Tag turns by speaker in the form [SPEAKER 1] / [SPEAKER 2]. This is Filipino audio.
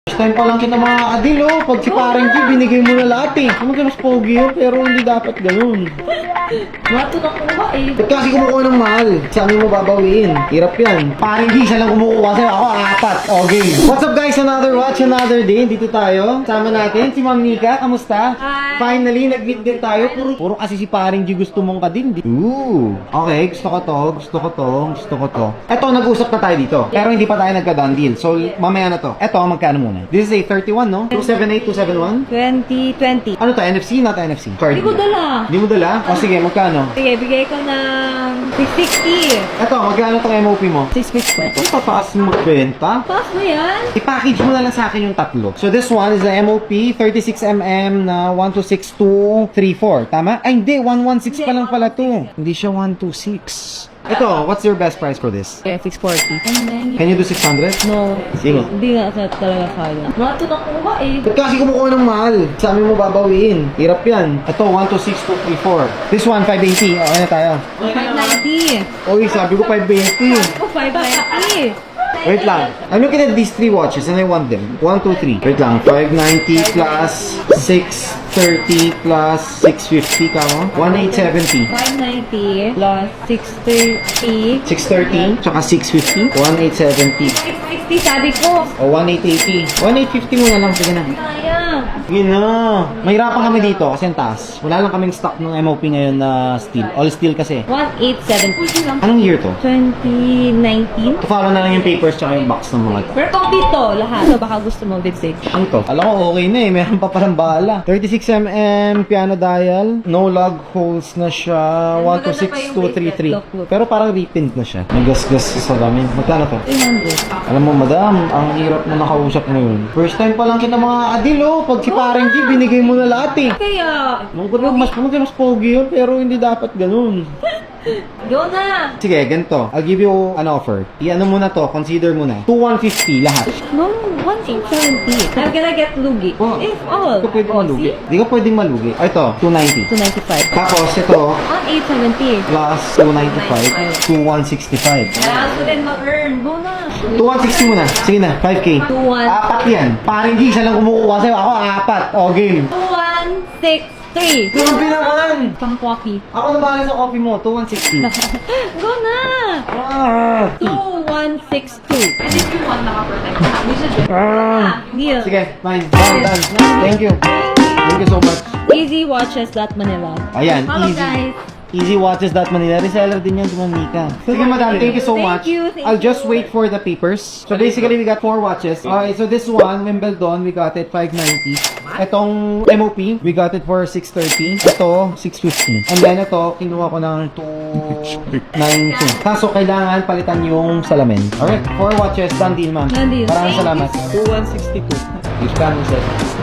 [SPEAKER 1] First time pa lang kita mga kadil, oh. Pag si parang G, binigay mo na lahat eh. Ano ka mas pogi yun, pero hindi dapat ganun.
[SPEAKER 2] Mato na kuha eh.
[SPEAKER 1] Ba't kasi kumukuha ng mahal? Sabi mo babawiin. Hirap yan. Parang G, siya lang kumukuha sa'yo. Ako, apat. Okay. What's up guys? Another watch, another day. Dito tayo. Sama natin si Ma'am Nika. Kamusta?
[SPEAKER 2] Hi.
[SPEAKER 1] Finally, nag-meet din tayo. Puro kasi si parang G gusto mong kadil. Ooh. Okay, gusto ko to. Gusto ko to. Gusto ko to. Eto, nag-usap na tayo dito. Pero hindi pa tayo nagka-done deal. So, mamaya na to. Eto, magkano muna? This is a 31, no? 278, 271?
[SPEAKER 2] 2020.
[SPEAKER 1] Ano to? NFC? Not NFC. Card.
[SPEAKER 2] Hindi ko dala.
[SPEAKER 1] Hindi mo dala? O sige, magkano?
[SPEAKER 2] Sige, bigay ko ng 660.
[SPEAKER 1] Eto, magkano tong MOP mo?
[SPEAKER 2] 650.
[SPEAKER 1] Ito, tataas mo magbenta.
[SPEAKER 2] Pass mo yan?
[SPEAKER 1] I-package mo na lang sa akin yung tatlo. So this one is the MOP 36mm na 126234. Tama? Ay, hindi. 116 pa lang pala to. Hindi siya 126. Ito, what's your best price for this?
[SPEAKER 2] Okay, 640.
[SPEAKER 1] Can you do 600?
[SPEAKER 2] No.
[SPEAKER 1] Sige.
[SPEAKER 2] Hindi nga sa talaga kaya. Mato na kuha eh.
[SPEAKER 1] Ba't kasi kumukuha ng mahal? Sabi mo babawiin. Hirap yan. Ito, 126234. This one, 580. Okay na tayo.
[SPEAKER 2] 590.
[SPEAKER 1] Oy, sabi ko 520.
[SPEAKER 2] Oh, 590.
[SPEAKER 1] Wait lang. I'm looking at these three watches and I want them. 1, 2, 3. Wait lang. 590 plus 630 plus 650 ka mo? 1870.
[SPEAKER 2] 590 plus 630.
[SPEAKER 1] 630 tsaka 650. 1870.
[SPEAKER 2] 660 sabi ko.
[SPEAKER 1] O 1880. 1850 muna lang. Sige na.
[SPEAKER 2] Kaya.
[SPEAKER 1] Sige na. Mahirapan kami dito kasi ang taas. Wala lang kaming stock ng MOP ngayon na steel. All steel kasi.
[SPEAKER 2] 1870.
[SPEAKER 1] Anong year to?
[SPEAKER 2] 2019.
[SPEAKER 1] Follow na lang yung papers tsaka yung box ng mga to.
[SPEAKER 2] Pero complete to, lahat. So baka gusto mo lipstick.
[SPEAKER 1] Ano to? Alam ko okay na eh. Meron pa parang bala. 36mm piano dial. No lug holes na siya. 126233. Pero parang reprint na siya. May gas-gas sa salamin. Magkano to?
[SPEAKER 2] 300.
[SPEAKER 1] Alam mo madam, ang hirap mo nakausap ngayon. First time pa lang kita mga kadil, oh. Pag si parang G, binigay mo na lahat eh.
[SPEAKER 2] Kaya,
[SPEAKER 1] Mas pogi yun, pero hindi dapat ganun.
[SPEAKER 2] go na!
[SPEAKER 1] Sige, ganito. I'll give you an offer. I-ano mo na to, consider mo na. 2,150 lahat.
[SPEAKER 2] No, 1870. I'm gonna get lugi.
[SPEAKER 1] Oh,
[SPEAKER 2] If all.
[SPEAKER 1] Hindi ka pwedeng malugi. Hindi ka pwedeng malugi. Ah, ito, 290.
[SPEAKER 2] 295.
[SPEAKER 1] Tapos ito,
[SPEAKER 2] 1870.
[SPEAKER 1] plus 295, 2165.
[SPEAKER 2] Kailangan ko din mag-earn. Go na!
[SPEAKER 1] 2160 muna. Sige na, 5K.
[SPEAKER 2] 21.
[SPEAKER 1] Apat yan. Parang G, siya lang kumukuha sa'yo. Ako, apat. O, game.
[SPEAKER 2] 2163.
[SPEAKER 1] Grabe naman!
[SPEAKER 2] Pang coffee.
[SPEAKER 1] Ako na bahala sa coffee mo, 2160.
[SPEAKER 2] Go na!
[SPEAKER 1] Ah!
[SPEAKER 2] 2162. And if you want naka-protect, we should
[SPEAKER 1] Ah!
[SPEAKER 2] deal.
[SPEAKER 1] Sige, fine. Done. Thank you. Thank you so much.
[SPEAKER 2] Easywatches.manila.
[SPEAKER 1] Ayan,
[SPEAKER 2] Follow
[SPEAKER 1] easy.
[SPEAKER 2] guys.
[SPEAKER 1] Easywatches.manila. Reseller din yan, Manika. Sige, madam. Thank you so
[SPEAKER 2] Thank
[SPEAKER 1] much.
[SPEAKER 2] you, thank
[SPEAKER 1] I'll just wait for the papers. So basically, we got 4 watches. Okay, so this one, Wimbledon, we got it 590. Itong MOP, we got it for 630. Ito, 650. And then ito, kinuha ko ng 292. Kaso kailangan palitan yung salamin. Alright, 4 watches. Done deal, ma'am.
[SPEAKER 2] Done deal.
[SPEAKER 1] Maraming
[SPEAKER 2] Thank
[SPEAKER 1] salamat.
[SPEAKER 2] you.
[SPEAKER 1] 2162. Yung scan mo, sir.